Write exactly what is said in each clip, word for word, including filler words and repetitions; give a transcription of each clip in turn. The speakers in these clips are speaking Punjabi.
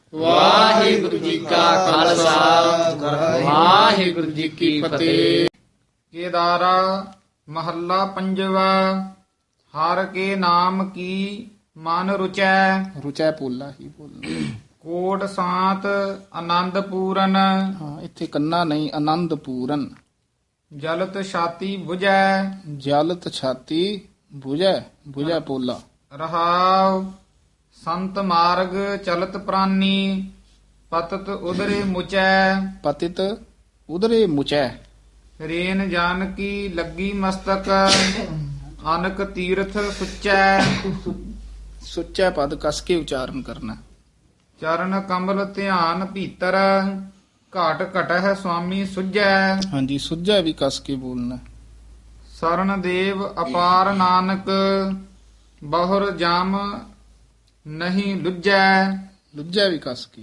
ਵਾਹਿਗੁਰੂ ਜੀ ਕਾ ਖਾਲਸਾ ਵਾਹਿਗੁਰੂ ਜੀ ਕੀ ਫਤਿਹ। ਕੇਦਾਰਾ ਮਹੱਲਾ ਪੰਜਵਾ। ਹਰ ਕੇ ਨਾਮ ਕੀ ਮਨ ਰੁਚੈ, ਰੁਚੈ ਪੋਲਾ ਹੀ ਬੋਲਣਾ। ਕੋਟ ਸਾਤ ਆਨੰਦ ਪੂਰਨ, ਹਾਂ, ਇੱਥੇ ਕੰਨਾ ਨਹੀਂ, ਆਨੰਦ ਪੂਰਨ। ਜਲਤ ਛਾਤੀ 부ਜੈ, ਜਲਤ ਛਾਤੀ 부ਜੈ, 부ਜੈ ਪੋਲਾ। ਰਹਾਉ ਸੰਤ ਮਾਰਗ ਚਲਤ ਪ੍ਰਾਨੀ, ਪਤਤ ਉਦਰੇ ਮੁਚੈ, ਪਤਿਤ ਉਦਰੇ ਮੁਚੈ। ਰੇਨ ਜਾਨ ਕੀ ਲੱਗੀ ਮਸਤਕ, ਅਨਕ ਤੀਰਥ ਸੁਚੈ, ਸੁੱਚਾ ਪਦ ਕਸ ਕੇ ਉਚਾਰਨ ਕਰਨਾ। ਚਰਨ ਕਮਲ ਧਿਆਨ ਭੀਤਰ, ਘਾਟ ਘਟ ਹੈ ਸੁਆਮੀ ਸੁਝੈ, ਹਾਂਜੀ, ਸੁੱਜਾ ਵੀ ਕਸ ਕੇ ਬੋਲਣਾ। ਸਰਨ ਦੇਵ ਅਪਾਰ ਨਾਨਕ, ਬਹੁਰ ਜਮ ਨਹੀਂ ਲੁੱਜੈ, ਲੁੱਜਾ ਵੀ ਕਸ ਕੇ।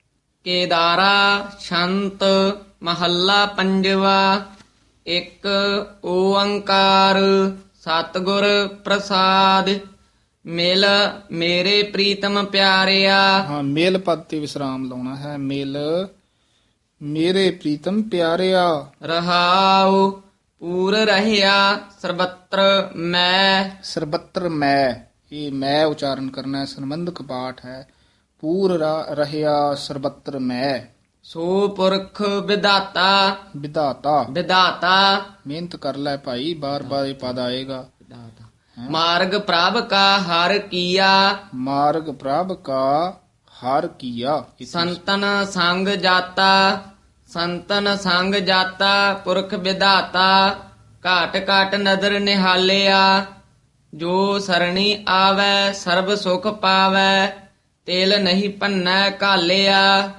ਕੇਦਾਰਾ ਸ਼ੰਤ ਮਹੱਲਾ ਪੰਜਵਾ। ਇੱਕ ਓੰਕਾਰ ਸਤਿਗੁਰ ਪ੍ਰਸਾਦ, ਮਿਲ ਮੇਰੇ ਪ੍ਰੀਤਮ ਪਿਆਰਿਆ। ਹਾਂ, ਮੇਲ ਪਦ ਤੇ ਵਿਸਰਾਮ ਲਾਉਣਾ ਹੈ। ਮਿਲ ਮੇਰੇ ਪ੍ਰੀਤਮ ਪਿਆਰਿਆ। ਰਹਾਉ ਪੂਰ ਰਹਿਆ ਸਰਬੱਤਰ ਮੈਂ, ਸਰਬੱਤਰ ਮੈਂ, ਇਹ ਮੈਂ ਉਚਾਰਨ ਕਰਨਾ ਹੈ, ਸੰਬੰਧਕ ਪਾਠ ਹੈ। ਪੂਰ ਰਾ- ਰਹਿਆ ਸਰਬੱਤਰ ਮੈਂ। ਸੋ ਪੁਰਖ ਵਿਧਾਤਾ, ਵਿਧਾਤਾ, ਵਿਧਾਤਾ ਮਿਹਨਤ ਕਰ ਲੈ ਭਾਈ, ਬਾਰ ਬਾਰ ਇਹ ਪਦ ਆਏਗਾ। ਮਾਰਗ ਪ੍ਰਭ ਕਾ ਹਰ ਕੀਆ, ਮਾਰਗ ਪ੍ਰਭ ਕਾ ਹਰ ਕੀਆ। ਸੰਤਨ ਸੰਗ ਜਾਤਾ, ਸੰਤਨ ਸੰਗ ਜਾਤਾ ਪੁਰਖ ਵਿਧਾਤਾ। ਘਾਟ ਘਾਟ ਨਦਰ ਨਿਹਾਲਿਆ, ਜੋ ਸਰਣੀ ਆਵੈ ਸਰਬ ਸੁਖ ਪਾਵੈ। ਤੇਲ ਨਹੀਂ ਭੰਨੈ ਘਾਲਿਆ,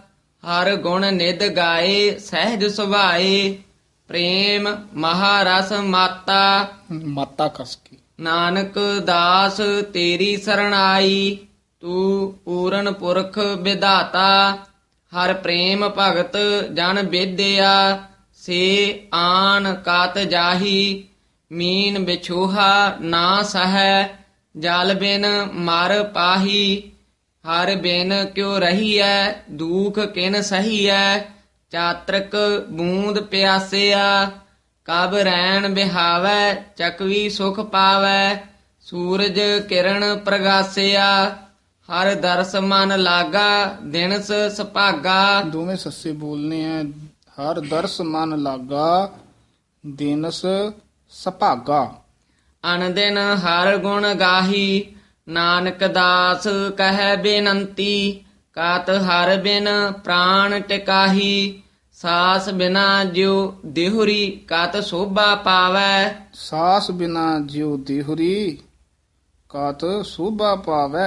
ਹਰ ਗੁਣ ਨਿਧ ਗਾਏ ਸਹਿਜ ਸੁਭਾਏ। ਪ੍ਰੇਮ ਮਹਾਰਸ ਮਾਤਾ, ਮਾਤਾ ਕਸ ਕੇ। ਨਾਨਕ ਦਾਸ ਤੇਰੀ ਸਰਣਾਈ। ਤੂੰ ਪੂਰਨ ਪੁਰਖ ਵਿਧਾਤਾ, ਹਰ ਪ੍ਰੇਮ ਭਗਤ ਜਨ ਬੇਦਿਆ। ਸੇ ਆਨ ਕਾਤ ਜਾਹੀ, ਮੀਨ ਵਿਛੋਹਾ ਨਾ ਸਹੈ। ਜਲ ਬਿਨ ਮਰ ਪਾਹੀ, ਹਰ ਬਿਨ ਕਿਉ ਰਹੀਐ। ਦੁਖ ਕਿਨ ਸਹੀਐ, ਚਾਤ੍ਰਿਕ ਬੂੰਦ ਪਿਆਸਿਆ। ਕਬ ਰੈਣ ਬਿਹਾਵੈ, ਚਕਵੀ ਸੁਖ ਪਾਵੈ। ਸੂਰਜ ਕਿਰਨ ਪ੍ਰਗਾਸਿਆ, ਹਰ ਦਰਸ ਮਨ ਲਾਗਾ। ਦਿਨਸ ਸੁਭਾਗਾ, ਦੋਵੇਂ ਸੱਸੇ ਬੋਲਨੇ ਆ। ਹਰ ਦਰਸ ਮਨ ਲਾਗਾ, ਦਿਨਸ ਸੁਭਾਗਾ। ਅਨਦਿਨ ਹਰ ਗੁਣ ਗਾਹੀ। ਨਾਨਕ ਦਾਸ ਕਹੈ ਬੇਨੰਤੀ, ਕਾਤ ਹਰ ਬਿਨ ਪ੍ਰਾਣ ਟਿਕਾਹੀ। ਸਾਸ ਬਿਨਾ ਜਿਉ ਦੇਹੁਰੀ, ਕਾਤ ਸੋਭਾ ਪਾਵੈ। ਸਾਸ ਬਿਨਾ ਜਿਉ ਦੇਹੁਰੀ, ਕਾਤ ਸੋਭਾ ਪਾਵੈ।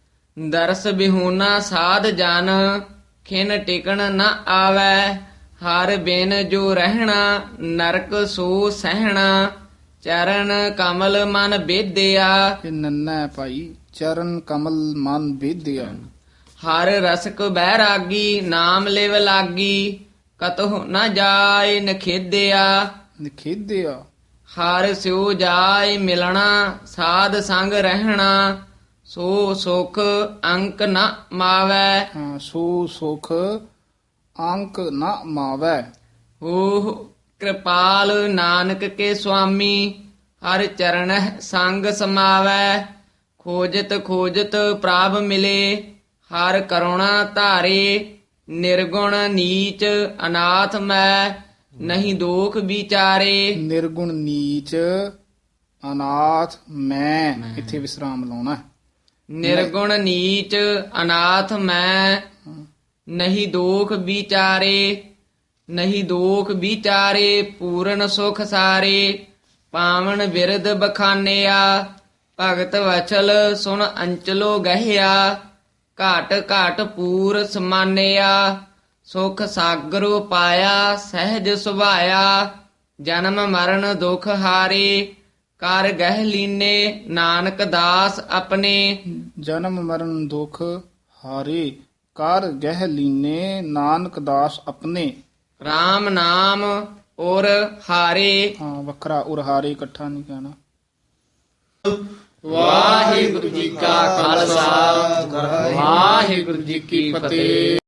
ਦਰਸ ਬਿਹੂਨਾ ਸਾਧ ਜਨ, ਖਿਨ ਟਿਕਣ ਨ ਆਵੈ। ਹਰ ਬਿਨ ਜੋ ਰਹਿਣਾ, ਨਰਕ ਸੋ ਸਹਿਣਾ। ਚਰਨ ਕਮਲ ਮਨ ਬੇਦਿਆ, ਇਹ ਨੰਨਾ ਹੈ ਭਾਈ। ਚਰਨ ਕਮਲ ਮਨ ਬੇਦਿਆ। ਹਰ ਰਸਕ ਬੈਰਾਗੀ। ਨਾਮ ਲਿਵ ਲਾਗੀ, ਕਤਹੁ ਨ ਜਾਏ ਨਖੇਦਿਆ। ਨਿਖੇਦਿਆ, ਹਰ ਸਿਉ ਜਾਏ ਮਿਲਣਾ। ਸਾਧ ਸੰਗ ਰਹਿਣਾ, ਸੋ ਸੁਖ ਅੰਕ ਨ ਮਾਵੈ। ਹਾਂ, ਸੋ ਸੁਖ ਅੰਕ ਨ ਮਾਵੈ। ਓਹ ਕਿਰਪਾਲ ਨਾਨਕ ਕੇ ਸੁਆਮੀ, ਹਰ ਚਰਣਹਿ ਸੰਗ ਸਮਾਵੈ। ਖੋਜਤ ਖੋਜਤ ਪ੍ਰਭ ਮਿਲੇ, ਹਰ ਕਰੁਣਾ ਧਾਰੇ। ਨਿਰਗੁਣ ਨੀਚ ਅਨਾਥ ਮੈਂ, ਨਹੀਂ ਦੋਖ ਵਿਚਾਰੇ। ਨਿਰਗੁਣ ਨੀਚ ਅਨਾਥ ਮੈਂ, ਇੱਥੇ ਵਿਸਰਾਮ ਲਾਉਣਾ ਹੈ। ਨਿਰਗੁਣ ਨੀਚ ਅਨਾਥ ਮੈਂ, ਨਹੀਂ ਦੋਖ ਵਿਚਾਰੇ। ਨਹੀਂ ਦੋਖ ਵਿਚਾਰੇ, ਪੂਰਨ ਸੁਖ ਸਾਰੇ। ਪਾਵਨ ਬਿਰਦ ਬਖਾਨਿਆ, ਭਗਤ ਵਚਲ ਸੁਨ ਅੰਚਲੋ ਗਹਿਆ। ਘਾਟ ਘਾਟ ਪੂਰ ਸਮਾਨਿਆ, ਸੁਖ ਸਾਗਰੋ ਪਾਇਆ ਸਹਿਜ ਸੁਭਾਇਆ। ਜਨਮ ਮਰਨ ਦੁਖ ਹਾਰੇ, ਕਰ ਗਹਿ ਲੀਨੇ ਨਾਨਕ ਦਾਸ ਆਪਣੇ। ਜਨਮ ਮਰਨ ਦੁਖ ਹਾਰੇ, ਕਰ ਗਹਿ ਲੀਨੇ ਨਾਨਕ ਦਾਸ ਆਪਣੇ। RAM ਨਾਮ ਔਰ ਹਾਰੇ। ਹਾਂ, ਵੱਖਰਾ ਉਰ ਹਾਰੇ ਇਕੱਠਾ ਨਹੀਂ ਕਹਿਣਾ। ਵਾਹਿਗੁਰੂ ਜੀ ਕਾ ਖਾਲਸਾ ਵਾਹਿਗੁਰੂ ਜੀ ਕੀ ਫਤਿਹ।